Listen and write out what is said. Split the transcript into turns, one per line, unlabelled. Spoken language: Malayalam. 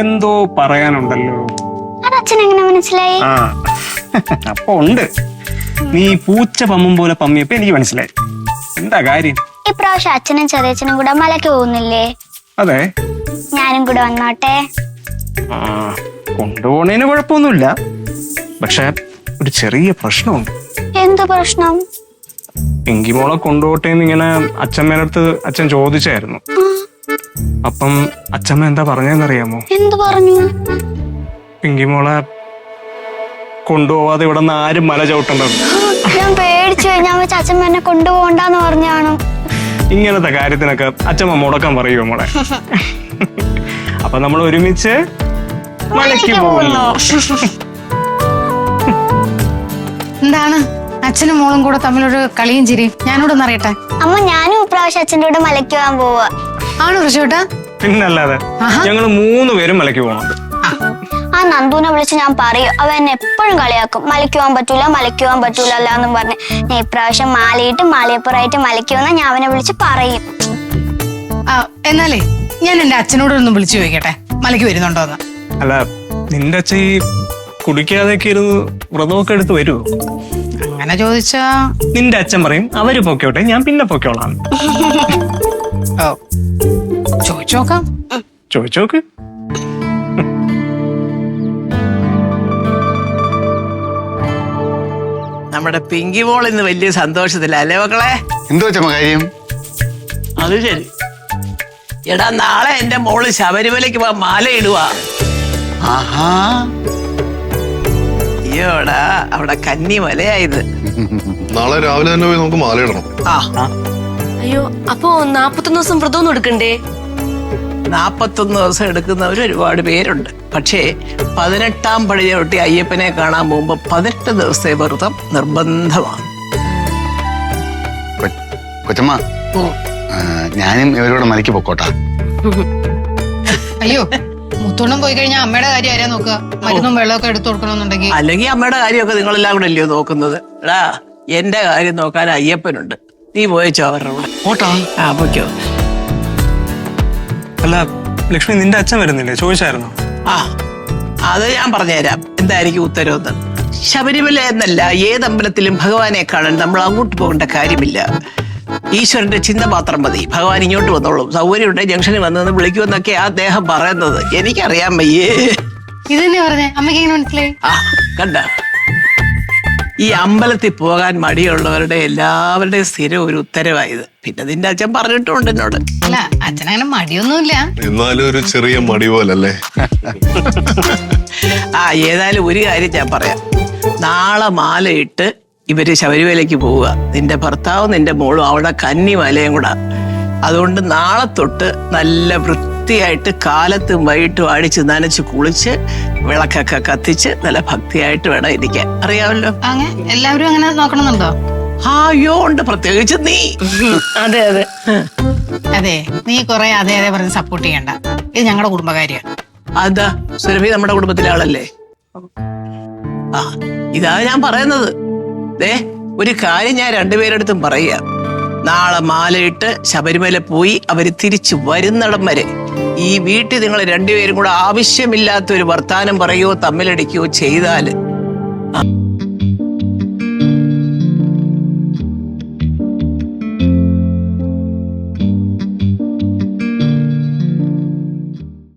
എന്തോ പറയാനുണ്ടല്ലോ.
അച്ഛനെങ്ങനെ മനസ്സിലായി?
ആ അപ്പൊ ഉണ്ട്. നീ പൂച്ച പമ്മും പോലെ പമ്മിയപ്പോ എനിക്ക് മനസ്സിലായി. എന്താ കാര്യം?
ഇപ്രാവശ്യം അച്ഛനും ചെറിയച്ഛനും കൂടെ മലയ്ക്ക് പോകുന്നില്ലേ?
അതെ.
ഞാനും കൂടെ വന്നോട്ടെ?
ആ കൊണ്ടുപോണേന് കുഴപ്പമൊന്നുമില്ല. പക്ഷെ ഒരു ചെറിയ പ്രശ്നമുണ്ട്.
എന്ത് പ്രശ്നം?
പിങ്കിമോളെ കൊണ്ടുപോട്ടേന്ന് ഇങ്ങനെ അച്ഛമ്മേനടുത്ത് അച്ഛൻ ചോദിച്ചായിരുന്നു. അപ്പം അച്ഛമ്മ എന്താ പറഞ്ഞെന്നറിയാമോ?
എന്ത് പറഞ്ഞു?
പിങ്കിമോളെ കൊണ്ടുപോവാതെ ഇവിടെ നിന്ന് ആരും മല ചവിട്ടണ്ടത്.
ഞാൻ പേടിച്ചു. ഞാൻ വെച്ച അച്ഛമ്മ എന്നെ കൊണ്ടുപോകണ്ടെന്ന് പറഞ്ഞാണ്.
ഇങ്ങനത്തെ കാര്യത്തിനൊക്കെ അച്ഛമ്മ മുടക്കാൻ പറയുമോ മോളെ? അപ്പൊ നമ്മൾ ഒരുമിച്ച് മലയ്ക്ക് പോകുന്നു.
എന്താണ് അച്ഛനും മോളും കൂടെ തമ്മിലൊരു കളിയും ചിരിയും? ഞാനിവിടെ ഒന്ന് അറിയട്ടെ.
അമ്മ, ഞാനും ഇപ്രാവശ്യം അച്ഛൻ്റെ കൂടെ മലയ്ക്ക് പോകാൻ പോവാ.
ആണോ ഋഷിയേട്ടാ?
പിന്നല്ലാതെ. ഞങ്ങള് 3 പേരും മലയ്ക്ക് പോകണം.
ആ നന്ദുവിനെ വിളിച്ച് ഞാൻ പറയും. അവൻ എന്നെ എപ്പോഴും കളിയാക്കും. മലയ്ക്ക് പോകാൻ പറ്റൂല, മലയ്ക്ക് പോകാൻ പറ്റൂല എന്നും പറഞ്ഞ്. ഞാൻ ഇപ്രാവശ്യം മാലയിട്ട് മാലയപ്പുറമായിട്ട് മലയ്ക്ക് വന്നാൽ ഞാൻ അവനെ വിളിച്ച് പറയും.
എന്നാലേ ഞാൻ എന്റെ അച്ഛനോട് ഒന്ന് വിളിച്ചു ചോദിക്കട്ടെ, മലയ്ക്ക് വരുന്നുണ്ടോന്ന്.
അല്ല, നിന്റെ അച്ഛൻ ഈ കുടിക്കാതെയൊക്കെ ഇരുന്ന് വ്രതമൊക്കെ എടുത്ത് വരുമോ?
അങ്ങനെ ചോദിച്ചാ
നിന്റെ അച്ഛൻ പറയും അവര് പൊക്കോട്ടെ, ഞാൻ പിന്നെ പൊക്കോളാം.
ചോദിച്ചോക്കാം.
ചോദിച്ചോക്ക്.
നമ്മുടെ പിങ്കി മോൾ ഇന്ന് വലിയ സന്തോഷത്തില അല്ലേ മക്കളെ?
എന്തോ കാര്യം?
അത് ശരി. എടാ, നാളെ എന്റെ മോള് ശബരിമലയ്ക്ക് പോവാൻ മാല ഇടുവാ. അയ്യോടാ, അവിടെ കന്നി മലയായത്.
നാളെ രാവിലെ തന്നെ പോയി നമുക്ക് മാല ഇടണം.
അയ്യോ, അപ്പൊ 41 ദിവസം വ്രതമൊന്നും എടുക്കണ്ടേ?
41 ദിവസം എടുക്കുന്നവർ ഒരുപാട് പേരുണ്ട്. പക്ഷേ 18-ാം പടി ചവിട്ടി അയ്യപ്പനെ കാണാൻ പോകുമ്പോ 18 ദിവസത്തെ വ്രതം നിർബന്ധമാണ്.
കൊച്ചമ്മ, ഞാനും ഇവരോട് മലയ്ക്ക് പൊക്കോട്ടാ.
അയ്യോ, മുത്തോണം പോയി കഴിഞ്ഞാൽ അമ്മയുടെ കാര്യം ആരാ നോക്കുക? മരുന്നും വെള്ളമൊക്കെ എടുത്തു കൊടുക്കണമെന്നുണ്ടെങ്കിൽ.
അല്ലെങ്കിൽ അമ്മയുടെ കാര്യമൊക്കെ നിങ്ങളെല്ലാം കൂടെ അല്ലയോ നോക്കുന്നത്? എടാ, എന്റെ കാര്യം നോക്കാൻ അയ്യപ്പനുണ്ട്. നീ പോയച്ചോ അവരുടെ കൂടെ.
ഓട്ടാ.
പൊയ്ക്കോ.
അല്ല ലക്ഷ്മി, നിന്റെ അച്ഛൻ വരുന്നില്ലേ? ചോദിച്ചായിരുന്നോ?
അത് ഞാൻ പറഞ്ഞുതരാം എന്തായിരിക്കും ഉത്തരവെന്ന്. ശബരിമല എന്നല്ല, ഏതമ്പലത്തിലും ഭഗവാനെ കാണാൻ നമ്മൾ അങ്ങോട്ട് പോകേണ്ട കാര്യമില്ല. ഈശ്വരന്റെ ചിന്ത മാത്രം മതി. ഭഗവാൻ ഇങ്ങോട്ട് വന്നോളും. സൗകര്യമുണ്ട്, ജംഗ്ഷനിൽ വന്നെന്ന് വിളിക്കുമെന്നൊക്കെ അദ്ദേഹം പറയുന്നത്. എനിക്കറിയാൻ വയ്യേ.
ഇത് തന്നെ പറഞ്ഞേ, അമ്മയ്ക്ക് എങ്ങനെ മനസ്സിലായി?
കണ്ട, ഈ അമ്പലത്തിൽ പോകാൻ മടിയുള്ളവരുടെ എല്ലാവരുടെയും സ്ഥിരം ഒരു ഉത്തരവായത്. പിന്നെ നിന്റെ അച്ഛൻ പറഞ്ഞിട്ടുണ്ട് എന്നോട്.
അല്ല, അച്ഛനങ്ങനെ മടിയൊന്നുമില്ല.
എന്നാലും ഒരു ചെറിയ മടി പോലല്ലേ?
ഏതായാലും ഒരു കാര്യം ഞാൻ പറയാം. നാളെ മാലയിട്ട് ഇവര് ശബരിമലയ്ക്ക് പോവുക. നിന്റെ ഭർത്താവും നിന്റെ മോളും അവിടെ കന്നി മലയും കൂടാ. അതുകൊണ്ട് നാളെ തൊട്ട് നല്ല വൃത്തിയായിട്ട് കാലത്തും വൈകിട്ടും അടിച്ച് നനച്ച് കുളിച്ച് വിളക്കൊക്കെ കത്തിച്ച് നല്ല ഭക്തിയായിട്ട് വേണം ഇരിക്കാൻ. അറിയാമല്ലോ?
എല്ലാവരും അങ്ങനെ നോക്കണമെന്നുണ്ടോ?
അയ്യോ ഉണ്ട്, പ്രത്യേകിച്ച് നീ.
അതെ അതെ
അതെ, നീ കൊറേ അതെ അതെ പറഞ്ഞ് സപ്പോർട്ട് ചെയ്യണ്ട. ഇത് ഞങ്ങളുടെ കുടുംബകാര്യ.
അതാ, സുരഭി നമ്മുടെ കുടുംബത്തിലെ ആളല്ലേ? ഇതാ ഞാൻ പറയുന്നത്. ഒരു കാര്യം ഞാൻ രണ്ടുപേരെടുത്തും പറയുക. നാളെ മാലയിട്ട് ശബരിമല പോയി അവര് തിരിച്ചു വരുന്നിടം വരെ ഈ വീട്ടിൽ നിങ്ങൾ രണ്ടുപേരും കൂടെ ആവശ്യമില്ലാത്തൊരു വർത്താനം പറയുകയോ തമ്മിലടിക്കുകയോ ചെയ്താല്